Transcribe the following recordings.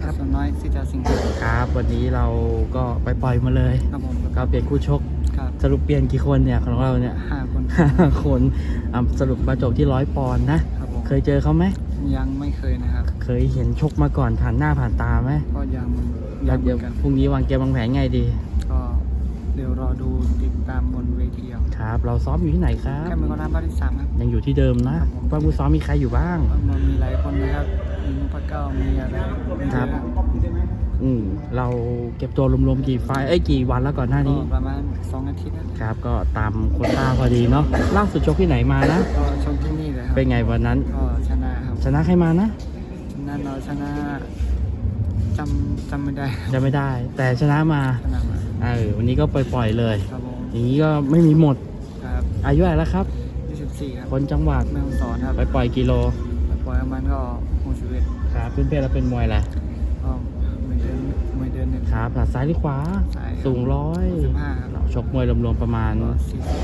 ครับส่วนน้อยสิจะสิงห์ครับวันนี้เราก็ไปปล่อยมาเลยครับผมก็เปลี่ยนคู่ชกครับสรุปเปลี่ยนกี่คนเนี่ยของเราเนี่ย 5 คนคนสรุปมาจบที่100 ปอนด์นะครับผมเคยเจอเขาไหมยังไม่เคยนะครับเคยเห็นชกมาก่อนผ่านหน้าผ่านตาไหมก็ยังเหเดี๋ยวมือนกันพรุ่งนี้วางเกมวางแผนไงดีก็เดี๋ยวรอดูติดตามบนเวทีเอาครับ เราซ้อมอยู่ที่ไหนครับแค่เป็นคนทำบ้านที่3ครับยังอยู่ที่เดิมนะครับผมว่าผู้ซ้อมมีใครอยู่บ้างมันมีหลายคนนะครับมีนุพะเก้ามีอะไรมีครับเยอะเราเก็บตัวรวมๆกี่ไฟล์กี่วันแล้วก่อนหน้าก็นี้ประมาณ2 อาทิตย์นะครับก็ตามโควต้าพอดีเนาะล่าสุดชกที่ไหนมานะก็ชมที่นี่เลยครับเป็นไงวันนั้นก็ชนะครับชนะใครมานะชนะเราชนะจำไม่ได้ครับจะไม่ได้ แต่ชนะมาชนะมาวันนี้ก็ปล่อยๆเลยครับผมอย่างนี้ก็ไม่มีหมดครับอายุอะไหรแล้วครับ 24ครับคนจังหวัดแม่ฮ่องสอนครับไปปล่อยกิโลปล่อยประมาณก็61 ครับเพื่อนๆเราเป็นมวยแหละก็ไม่เดินหนึ่งครับหลัดซ้ายหรือขวาซ้ายครับสูง 15ครับเราชกมวยรวมๆประมาณก็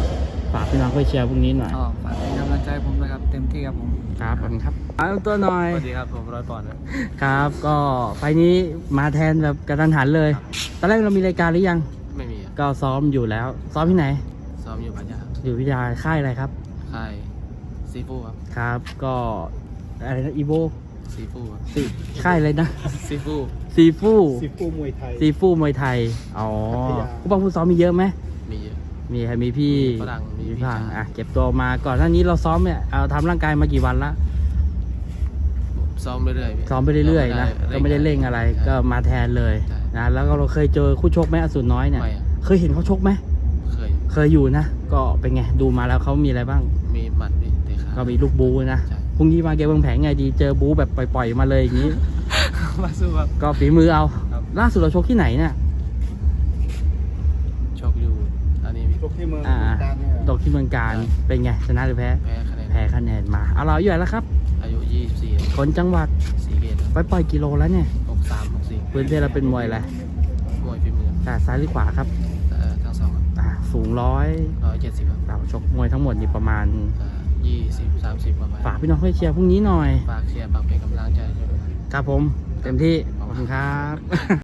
40 ฝากพี่น้องไปเชียร์พรุ่งนี้หน่อยก็ฝากเป็นกำลังใจให้ผมด้วยครับ เต็มที่ครับผมครับขอบคุณครับเอาตัวหน่อยสวัสดีครับผม100 ปอนด์นะครับก็ไฟล์นี้มาแทนแบบกระทันหันเลย ตอนแรกเรามีรายการหรือยังไม่มีก็ซ้อมอยู่แล้ว ซ้อมที่ไหนซ้อมอยู่พัทยาอยู่วิทยาค่ายอะไรครับค่ายซีฟูครับครับ ก็อะไรนะอีโบซีฟูครับสิค่ายอะไรนะซีฟูซีฟูซีฟูมวยไทยซีฟูมวยไทย อ๋อพัทยาผู้บังผู้ซ้อมมีเยอะไหมมีเยอะมีใครมีพี่มีฝรั่งมีพี่ฝรั่งชายเก็บตัวมาก่อนหน้านี้เราซ้อมเนี่ยเอาทำร่างกายมากี่วันละซ้อมเรื่อยๆซ้อมไปเรื่อยๆนะ ก็ไม่ได้เร่งอะไร ก็มาแทนเลยใช่นะ แล้วก็เราเคยเจอคู่ชกไหมอสูรน้อยเนี่ยไม่อะเคยเห็นเขาชกไหมเคยเคยอยู่นะ ก็เป็นไง ดูมาแล้วเขามีอะไรบ้างมีหมัดมีเตะขาก็มีลูกบูนะใช่พรุ่งนี้มาเกมวางแผนไงดี เจอบูแบบปล่อยๆมาเลยอย่างนี้มาสู้ครับก็ฝีมือเอาครับล่าสุดเราชกที่ไหนเนี่ยชกอยู่อันนี้ชกที่เมืองอ่าการเนี่ยตกที่เมืองการ เป็นไง ชนะหรือแพ้แพ้คะแนนแพ้คะแนนมา เอาเราอยู่ไหนแล้วครับอายุ24 คนจังหวัดสีเกตไปปล่อยกิโลแล้วเนี่ย 63 64 พื้นเพเราเป็นมวยอะไรมวยฝีมือแต่ซ้ายหรือขวาครับทั้งสองครับสูง 170ครับเราชกมวยทั้งหมดนี่ประมาณ 20-30 ประมาณฝากพี่น้องให้เชียร์พรุ่งนี้หน่อยฝากเชียร์ฝากเป็นกำลังใจด้วยครับผม เต็มที่ ขอบคุณครับ